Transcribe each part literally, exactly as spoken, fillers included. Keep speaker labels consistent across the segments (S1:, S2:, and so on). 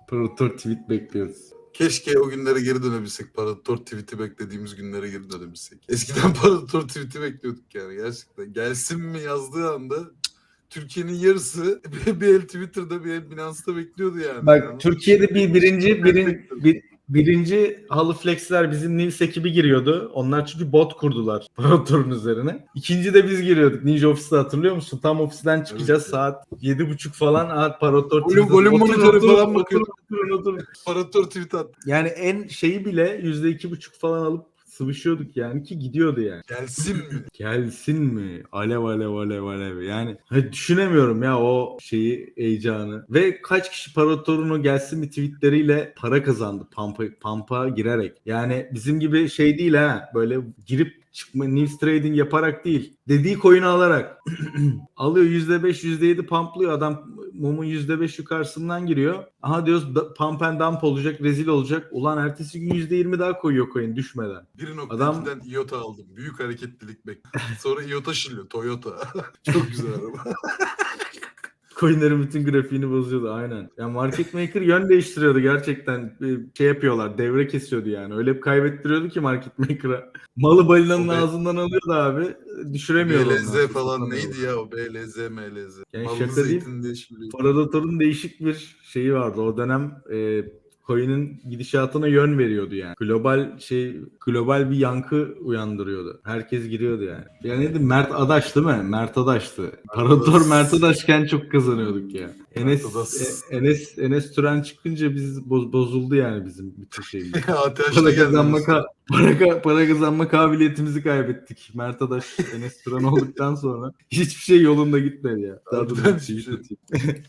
S1: Parator tweet bekliyoruz.
S2: Keşke o günlere geri dönebilsek. Parator tweet'i beklediğimiz günlere geri dönebilsek. Eskiden Parator tweet'i bekliyorduk yani gerçekten. Gelsin mi yazdığı anda Türkiye'nin yarısı bir el Twitter'da bir el Binance'da bekliyordu yani.
S1: Bak
S2: yani
S1: Türkiye'de bir birinci birin, bir, birinci halı flexler bizim Nils ekibi giriyordu. Onlar çünkü bot kurdular Parator'un üzerine. İkinci de biz giriyorduk. Ninja Office'te hatırlıyor musun? Tam ofisten çıkacağız
S2: Evet,
S1: saat yedi buçuk falan. Aa, Parator
S2: Volüm, volüm monitörü falan bakıyorduk.
S1: Oturun, oturun.
S2: Parator tweet attı.
S1: Yani en şeyi bile yüzde iki buçuk falan alıp sıvışıyorduk yani ki gidiyordu yani.
S2: Gelsin mi?
S1: Gelsin mi? Alev alev alev alev. Yani hani düşünemiyorum ya o şeyi, heyecanı. Ve kaç kişi Parator'un o gelsin mi tweetleriyle para kazandı pampa, pampa girerek. Yani bizim gibi şey değil ha. Böyle girip çıkma, news trading yaparak değil. Dediği coin'i alarak. Alıyor yüzde beş yüzde yedi pumplıyor. Adam mumun yüzde beş yukarısından giriyor. Aha diyoruz da, pump and dump olacak, rezil olacak. Ulan ertesi gün yüzde yirmi daha koyuyor coin düşmeden.
S2: bir nokta
S1: Adam
S2: ikiden iota aldım. Büyük hareketlilik bekliyorum. Sonra iota şılıyor. Toyota. Çok güzel araba.
S1: Coinlerin bütün grafiğini bozuyordu aynen. Yani market maker yön değiştiriyordu gerçekten. Bir şey yapıyorlar, devre kesiyordu yani. Öyle bir kaybettiriyordu ki market maker'a. Malı balinanın
S2: O be-
S1: ağzından alıyordu abi. Düşüremiyordu
S2: B L Z
S1: ondan.
S2: falan
S1: Satamıyordu.
S2: neydi ya o B L Z M L Z.
S1: Yani
S2: Mallı
S1: şaka değil.
S2: zeytin diye şılıyor.
S1: Predator'un değişik bir şeyi vardı. O dönem e, coin'in gidişatına yön veriyordu yani. Global şey, global bir yankı uyandırıyordu. Herkes giriyordu yani. Yani neydi? Mert Adaş değil mi? Mert Adaş'tı. Predator Mert Adaşken çok kazanıyorduk ya. Enes
S2: Adaş.
S1: e, Enes Enes Türen çıkınca biz boz, bozuldu yani bizim bütün şeyimiz.
S2: A T H'da
S1: Para
S2: geldi.
S1: kazanma, ka- para, ka- para kazanma kabiliyetimizi kaybettik. Mert Adaş, Enes Turan olduktan sonra hiçbir şey yolunda gitmedi ya. Daha dur
S2: Harbiden
S1: bir tweet
S2: hiçbir şey.
S1: atayım.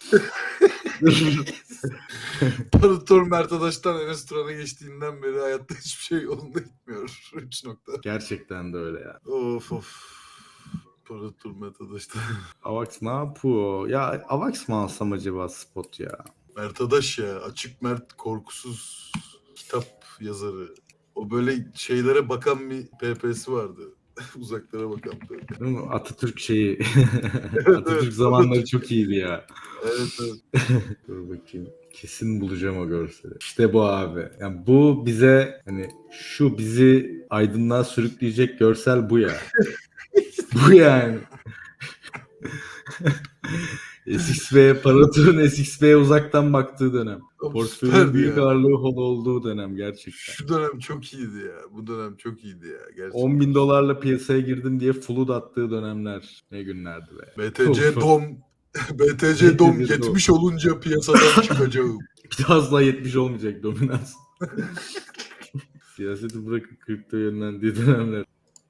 S2: Parator Mert Adaş'tan Enes Turan'a geçtiğinden beri hayatta hiçbir şey yolunda gitmiyor. üç nokta.
S1: Gerçekten de öyle ya.
S2: Of of. Parator Mert Adaş'tan.
S1: Avax ne yapıyor? Ya Avax mı alsam acaba spot ya?
S2: Mert Adaş ya. Açık Mert korkusuz kitap yazarı. O böyle şeylere bakan bir P P'si vardı. Uzaklara bakan böyle.
S1: Değil mi? Atatürk şeyi.
S2: Evet,
S1: Atatürk
S2: evet.
S1: zamanları çok iyiydi ya.
S2: Evet evet.
S1: Dur bakayım. Kesin bulacağım o görseli. İşte bu abi. Yani bu bize hani şu bizi aydınlığa sürükleyecek görsel bu ya. Bu yani. S X B, Parator'un S X B'ye uzaktan baktığı dönem.
S2: Oğlum
S1: Portföyün
S2: süperdi
S1: büyük
S2: ya.
S1: ağırlığı hol olduğu dönem gerçekten.
S2: Şu dönem çok iyiydi ya. Bu dönem çok iyiydi ya. Gerçekten.
S1: on bin dolarla piyasaya girdim diye flood attığı dönemler. Ne günlerdi be.
S2: B T C Dom B T C Dom
S1: B T C
S2: yetmiş olunca piyasadan çıkacağım.
S1: Bir daha asla yetmiş olmayacak dominans. Siyaseti bırakıp kripto yönlendiği dönemler.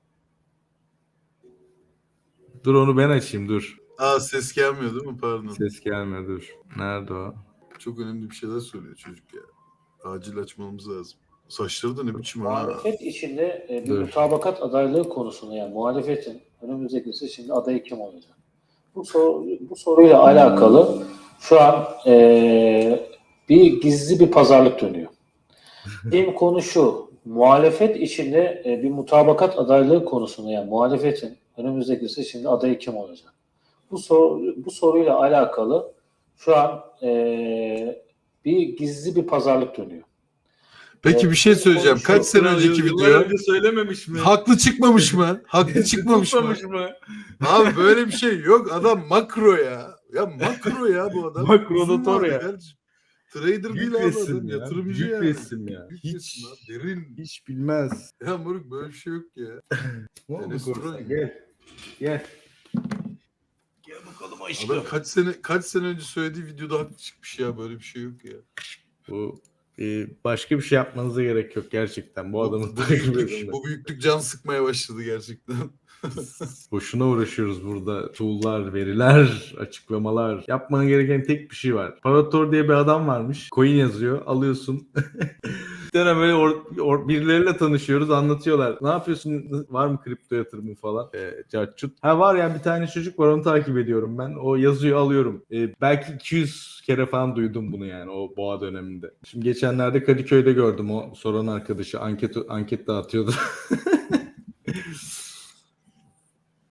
S1: Dur onu ben açayım dur.
S2: Aa ses gelmiyor değil mi? Pardon.
S1: Ses gelmiyor dur. Nerede o?
S2: Çok önemli bir şeyler söylüyor çocuk ya. Acil açmamız lazım. Saçları da ne biçim ha.
S3: Muhalefet içinde e, bir
S1: Dur.
S3: mutabakat adaylığı konusunda yani muhalefetin önümüzdeki seçimde adayı kim olacak? Bu soru, bu soruyla alakalı şu an e, bir gizli bir pazarlık dönüyor. Benim konu şu, muhalefet içinde e, bir mutabakat adaylığı konusunda yani muhalefetin önümüzdeki seçimde adayı kim olacak? Bu soru, bu soruyla alakalı şu an e, bir gizli bir pazarlık dönüyor.
S2: Peki bir şey söyleyeceğim. Kaç sene önceki video?
S1: önce söylememiş mi?
S2: Haklı çıkmamış mı? Haklı çıkmamış mı?
S1: Tutmamış mı?
S2: Abi böyle bir şey yok. Adam makro ya. Ya makro ya bu adam.
S1: Makrodator
S2: Uzun
S1: ya.
S2: vadeli. Trader
S1: Büyük
S2: değil abi
S1: resim
S2: adam.
S1: ya.
S2: Yatırımcı
S1: Büyük
S2: yani.
S1: resim ya.
S2: Büyük
S1: Hiç
S2: resim abi. Derin.
S1: hiç bilmez.
S2: Ya moruk böyle bir şey yok ya.
S1: Ne oldu
S2: Enes
S1: Korsan?
S2: Turan ya.
S1: Gel. Gel. Gel bakalım aşkım.
S2: Adam kaç sene kaç sene önce söylediği videoda haklı çıkmış ya. Böyle bir şey yok ya.
S1: Bu e, başka bir şey yapmanıza gerek yok gerçekten. Bu adamı
S2: bu,
S1: takip edin.
S2: büyüklük, bu büyüklük can sıkmaya başladı gerçekten.
S1: Boşuna uğraşıyoruz burada. Tool'lar, veriler, açıklamalar. Yapman gereken tek bir şey var. Parator diye bir adam varmış. Coin yazıyor. Alıyorsun. Bir tane böyle or, or, birileriyle tanışıyoruz. Anlatıyorlar. Ne yapıyorsun? Var mı kripto yatırımı falan? E, cartçut. Ha var ya bir tane çocuk var. Onu takip ediyorum ben. O yazıyor alıyorum. E, belki iki yüz kere falan duydum bunu yani o boğa döneminde. Şimdi geçenlerde Kadıköy'de gördüm. O soran arkadaşı anket anket dağıtıyordu.